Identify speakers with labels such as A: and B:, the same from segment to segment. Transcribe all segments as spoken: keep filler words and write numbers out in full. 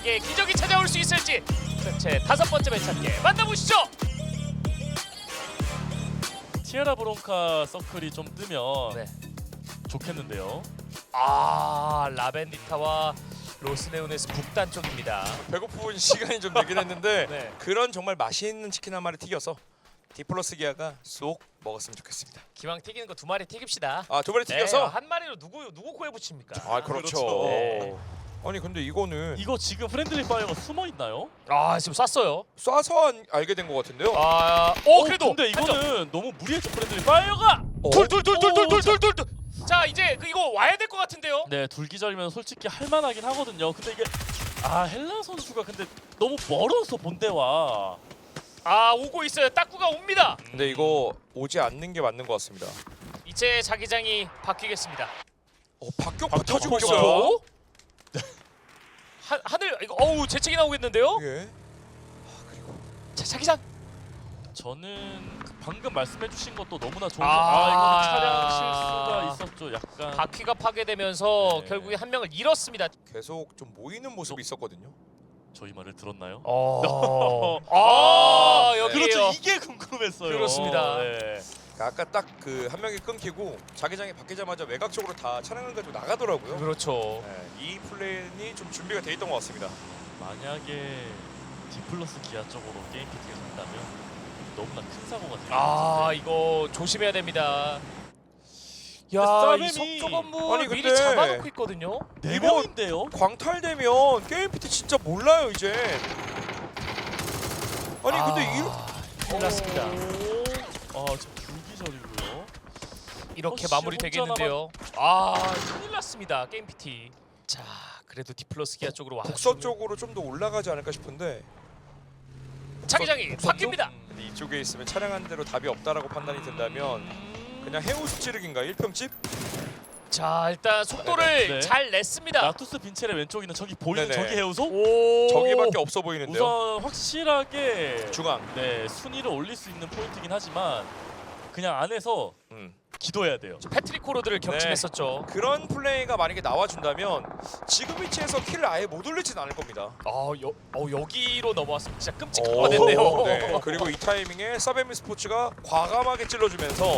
A: 티아라에게 기적이 찾아올 수 있을지 제 다섯 번째 매치 함께 만나보시죠.
B: 티아라 브론카 서클이 좀 뜨면
A: 네.
B: 좋겠는데요.
A: 아 라벤디타와 로스네오네스 북단 쪽입니다.
C: 배고픈 시간이 좀 되긴 했는데
A: 네.
C: 그런 정말 맛있는 치킨 한 마리 튀겨서 디플러스 기아가 쏙 먹었으면 좋겠습니다.
A: 기왕 튀기는 거 두 마리 튀깁시다.
C: 아, 두 마리
A: 네,
C: 튀겨서?
A: 한 마리로 누구 누구 코에 붙입니까?
C: 아, 그렇죠.
B: 그렇죠.
A: 네.
C: 아니 근데 이거는
B: 이거 지금 프렌들리 파이어가 숨어 있나요?
A: 아 지금 쐈어요.
C: 쏴서 안- 알게 된 것 같은데요.
A: 아, 오 그래도
B: 근데 이거는 너무 무리했죠 프렌들리 파이어가.
C: 어?
A: 둘둘둘둘둘둘둘둘. 자 이제 그 이거 와야 될 것 같은데요.
B: 네, 둘기절이면 솔직히 할만하긴 하거든요. 근데 이게 아 헬라 선수가 근데 너무 멀어서 본대와.
A: 아 오고 있어요. 딱구가 옵니다.
C: 근데 이거 오지 않는 게 맞는 것 같습니다.
A: 이제 자기장이 바뀌겠습니다.
C: 어, 박격
B: 박격
C: 붙어주고
B: 뽑아요.
C: 있어요.
A: 하, 하늘 이거 어우 재채기 나오겠는데요?
C: 예. 아, 그리고
A: 자 자기장.
B: 저는 그 방금 말씀해주신 것도 너무나 좋은.
A: 아.
B: 아, 이거는 차량 실수가 있었죠. 약간.
A: 바퀴가 파괴되면서
B: 네.
A: 결국에 한 명을 잃었습니다.
C: 계속 좀 모이는 모습이 있었거든요.
B: 저희 말을 들었나요?
A: 어. 아 여기에요.
B: 그렇죠. 이게 궁금했어요.
A: 그렇습니다.
B: 네.
C: 아까 딱 그 한 명이 끊기고 자기장이 바뀌자마자 외곽 쪽으로 다 차량을 가지고 나가더라고요.
A: 그렇죠.
C: 네, 이 플랜이 좀 준비가 돼 있던 것 같습니다.
B: 만약에 디플러스 기아 쪽으로 게임 피팅을 한다면 너무나 큰 사고가 될 것
A: 아
B: 같은데.
A: 이거 조심해야 됩니다. 야,
B: 싸움이-
A: 이 석조 건물
C: 아니,
A: 미리
C: 근데-
A: 잡아놓고 있거든요.
B: 네
C: 이거-
B: 명인데요?
C: 광탈되면 게임 피트 진짜 몰라요 이제. 아니 근데 이
A: 큰일 났습니다.
B: 아 지금 둘기절이고요.
A: 이렇게
B: 허쉬
A: 마무리 되겠는데요. 아 큰일 났습니다. 게임 피티. 자 그래도 디플러스 기아 쪽으로 와.
C: 북서 쪽으로 좀 더 올라가지 않을까 싶은데
A: 자기장이
C: 북서 쪽?
A: 바뀝니다.
C: 근데 이쪽에 있으면 차량 한 대로 답이 없다라고 판단이 된다면 그냥 해우수 찌르기인가 일 평집?
A: 자 일단 속도를
B: 네.
A: 잘 냈습니다.
B: 나투스 빈체의 왼쪽에 있는 저기 보이는
C: 네네.
B: 저기 해우소?
A: 오.
C: 저기밖에 없어 보이는데요.
B: 우선 확실하게
C: 중앙.
B: 네 순위를 올릴 수 있는 포인트긴 하지만 그냥 안에서
C: 음.
B: 기도해야 돼요.
A: 패트릭 코로드를
C: 네.
A: 격침했었죠.
C: 그런 플레이가 만약에 나와준다면 지금 위치에서 킬을 아예 못 올리진 않을 겁니다.
A: 아 여, 어, 여기로 넘어왔으면 진짜
C: 오,
A: 끔찍한 거 됐네요.
C: 네. 그리고 이 타이밍에 사베미 스포츠가 과감하게 찔러주면서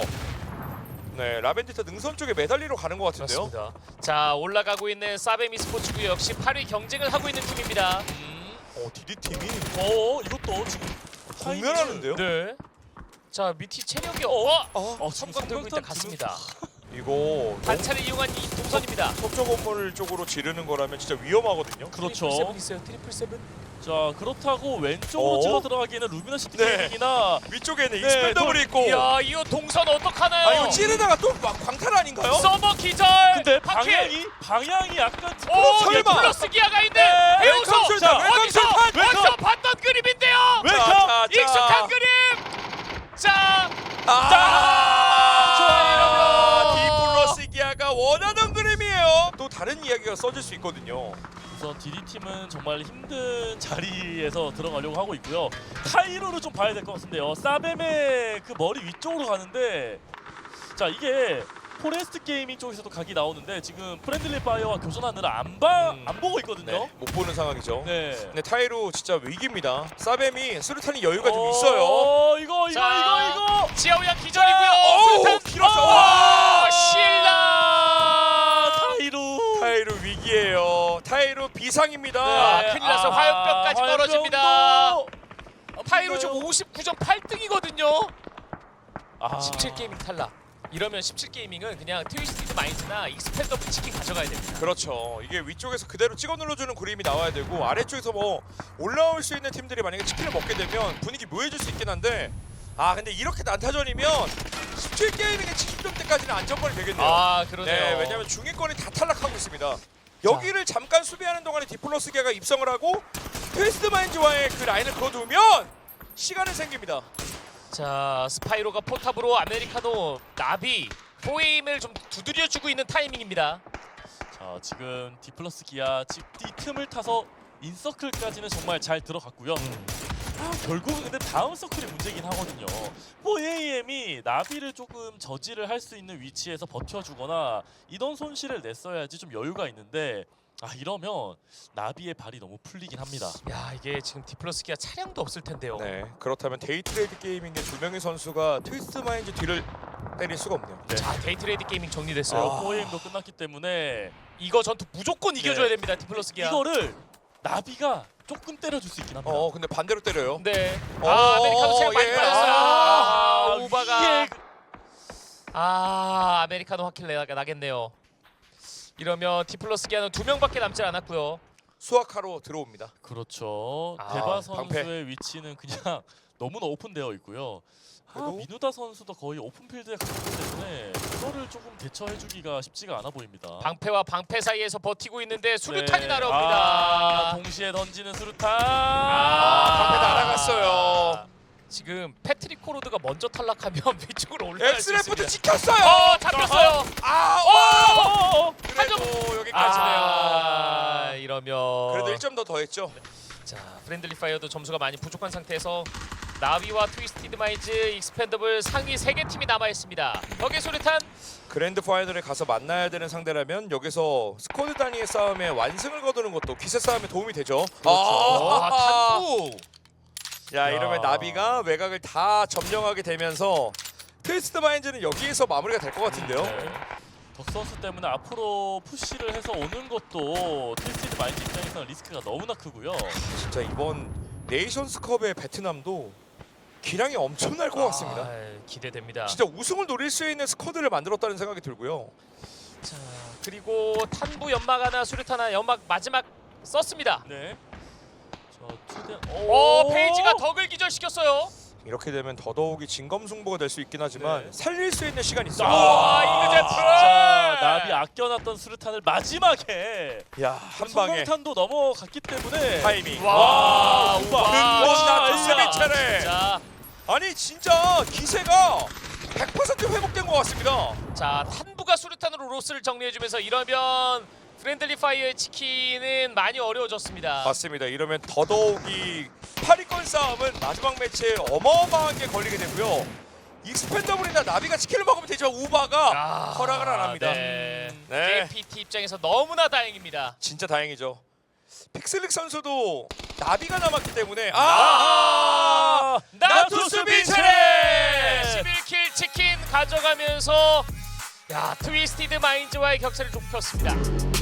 C: 네 라벤디타 능선 쪽에 매달리러 가는 것 같은데요.
A: 그렇습니다. 자 올라가고 있는 사베미 스포츠구 역시 팔 위 경쟁을 하고 있는 팀입니다.
C: 어 디디 팀이
B: 어 이것도 지금
C: 공멸하는데요.
A: 네. 자 미티 체력이 어,
C: 아,
B: 어, 지금
A: 섬광 들고 있다
B: 성광탄
A: 갔습니다.
C: 이거
A: 단차를 이용한 이 동선입니다.
C: 석조 건물 쪽으로 지르는 거라면 진짜 위험하거든요.
B: 그렇죠.
A: 트리플 세븐 있어요. 트리플 세븐.
B: 자 그렇다고 왼쪽으로
C: 어?
B: 찔러 들어가기에는 루미너 시티
C: 네.
B: 게이밍이나
C: 위쪽에는
B: 네,
C: 익스펜더블이 있고.
A: 이야 이거 동선 어떡하나요?
C: 아 이거 찌르다가 또 막 광탈 아닌가요?
A: 서버 기절.
B: 근데
A: 바퀴!
B: 방향이 방향이 약간
A: 오
C: 설마!
A: 디플러스 기아가 있네.
B: 네,
A: 해우소.
C: 웰컴 술탄, 웰컴
A: 어디서
C: 술탄,
B: 웰컴!
A: 어디서 봤던 그림인데요.
B: 웰컴!
C: 자, 자,
A: 익숙한 그림. 자.
C: 아,
A: 자, 이러면
C: 디플러스 기아가 원하던 그림이에요. 또 다른 이야기가 써질 수 있거든요.
B: 우선 디디팀은 정말 힘든 자리에서 들어가려고 하고 있고요. 카이로를 좀 봐야 될 것 같은데요. 사베의 그 머리 위쪽으로 가는데 자 이게 포레스트 게이밍 쪽에서도 각이 나오는데 지금 프렌들리 파이어와 교전하느라 안 봐,
C: 음.
B: 안 보고 있거든요.
C: 네, 못 보는 상황이죠.
B: 네.
C: 근데 타이로 진짜 위기입니다. 사뱀이 수류탄이 여유가 좀
B: 어,
C: 있어요.
B: 이거 이거
A: 자,
B: 이거 이거.
A: 지하우양 기절이고요.
C: 어우,
A: 수류탄
C: 길었어.
A: 와,
C: 와,
A: 신라.
B: 타이로.
C: 타이로 위기예요. 타이로 비상입니다.
A: 아, 큰일 났어. 화염병까지
B: 화염병도.
A: 떨어집니다.
B: 아,
A: 타이로
B: 뭔가요?
A: 지금 오십구 점 팔 등이거든요.
B: 아.
A: 십칠 게이밍 탈락. 이러면 십칠 게이밍은 그냥 트위스티드 마인즈나 익스펜더블 치킨 가져가야 됩니다.
C: 그렇죠. 이게 위쪽에서 그대로 찍어 눌러주는 그림이 나와야 되고 아래쪽에서 뭐 올라올 수 있는 팀들이 만약에 치킨을 먹게 되면 분위기 묘해질 수 있긴 한데 아 근데 이렇게 난타전이면 십칠 게이밍의 칠십 점대까지는 안정권이 되겠네요.
A: 아 그러네요.
C: 네, 왜냐면 중위권이 다 탈락하고 있습니다. 여기를 잠깐 수비하는 동안에 디플러스 기아가 입성을 하고 트위스트 마인즈와의 그 라인을 그어두면 시간은 생깁니다.
A: 자 스파이로가 포탑으로 아메리카노 나비 포에임을 좀 두드려주고 있는 타이밍입니다.
B: 자 지금 디플러스 기아 지- 이 틈을 타서 인서클까지는 정말 잘 들어갔고요. 아, 결국은 근데 다음 서클이 문제긴 하거든요. 뭐 에이엠이 나비를 조금 저지를 할 수 있는 위치에서 버텨주거나 이런 손실을 냈어야지 좀 여유가 있는데 아 이러면 나비의 발이 너무 풀리긴 합니다.
A: 야 이게 지금 디플러스기가 차량도 없을 텐데요.
C: 네, 그렇다면 데이트레이드 게이밍의 두 명의 선수가 트위스트 마인즈 뒤를 때릴 수가 없네요.
B: 네.
A: 자 데이트레이드 게이밍 정리됐어요.
C: 아.
B: 포에임도 끝났기 때문에
A: 이거 전투 무조건 이겨줘야
B: 네.
A: 됩니다. 디플러스기가.
B: 이거를 나비가 조금 때려줄 수 있긴 합니다.
C: 어, 근데 반대로 때려요.
A: 네.
C: 어,
A: 아 아메리카노 체력
C: 어,
A: 많이
C: 예.
A: 빠졌어요.
B: 아,
A: 아, 우바가.
B: 위에
A: 아 아메리카노 확킬 내가 나겠네요. 이러면 디플러스기아는 두 명밖에 남지 않았고요.
C: 수학하러 들어옵니다.
B: 그렇죠.
A: 아,
B: 대바
C: 방패.
B: 선수의 위치는 그냥 너무나 오픈되어 있고요. 아,
C: 그래도-
B: 민우다 선수도 거의 오픈필드에 가깝기 때문에 그거를 조금 대처해주기가 쉽지가 않아 보입니다.
A: 방패와 방패 사이에서 버티고 있는데 수류탄이
B: 네.
A: 날아옵니다.
B: 아, 동시에 던지는 수류탄.
A: 아,
C: 방패 날아갔어요.
A: 지금 패트릭 코로드가 먼저 탈락하면 위쪽으로 올라갈 수
C: 엑스레프트
A: 있습니다.
C: 찍혔어요.
A: 어 잡혔어요.
C: 아,
B: 어,
C: 와!
B: 어, 어.
C: 그래도 여기까지네요.
A: 아 이러면
C: 그래도 일 점 더 더했죠.
A: 자 프렌들리 파이어도 점수가 많이 부족한 상태에서 나비와 트위스티드 마인즈, 익스펜더블 상위 세 개 팀이 남아 있습니다. 벽의 수류탄.
C: 그랜드 파이널에 가서 만나야 되는 상대라면 여기서 스쿼드 단위의 싸움에 완승을 거두는 것도 기세 싸움에 도움이 되죠.
A: 아, 탐구.
C: 야,
B: 야.
C: 이러면 나비가 외곽을 다 점령하게 되면서 트위스트 마인즈는 여기에서 마무리가 될 것 같은데요.
B: 네. 덕 선수 때문에 앞으로 푸시를 해서 오는 것도 트위스티드 마인드 입장에서는 리스크가 너무나 크고요.
C: 진짜 이번 네이션스컵의 베트남도 기량이 엄청날 것 같습니다.
A: 아, 기대됩니다.
C: 진짜 우승을 노릴 수 있는 스쿼드를 만들었다는 생각이 들고요.
A: 자 그리고 탄부 연막 하나 수류탄 하나 연막 마지막 썼습니다.
B: 네. 저 투대.
A: 오 페이지가 덕을 기절시켰어요.
C: 이렇게 되면 더더욱이 진검승부가 될 수 있긴 하지만
B: 네.
C: 살릴 수 있는 시간이 있어요.
A: 아, 이그제프!
B: 진짜 나비 아껴놨던 수류탄을 마지막에
C: 야, 한 방에
B: 성광탄도 넘어갔기 때문에
C: 타이밍.
A: 와,
B: 우바.
A: 우바.
C: 근본 나투스
B: 진짜.
C: 매체를.
A: 자,
C: 아니 진짜 기세가 백 퍼센트 회복된 것 같습니다.
A: 자 탄부가 수류탄으로 로스를 정리해주면서 이러면 프렌들리 파이어의 치킨은 많이 어려워졌습니다.
C: 맞습니다. 이러면 더더욱이 팔 위권 싸움은 마지막 매치에 어마어마한 게 걸리게 되고요. 익스펜더블이나 나비가 치킨을 먹으면 되죠. 우바가
A: 아,
C: 허락을 안 합니다.
A: 네.
C: 네.
A: 제이피티 입장에서 너무나 다행입니다.
C: 진짜 다행이죠. 픽슬릭 선수도 나비가 남았기 때문에 아,
B: 아,
A: 나투스 빈체레 십일 킬 치킨 가져가면서 야 트위스티드 마인즈와의 격차를 좁혔습니다.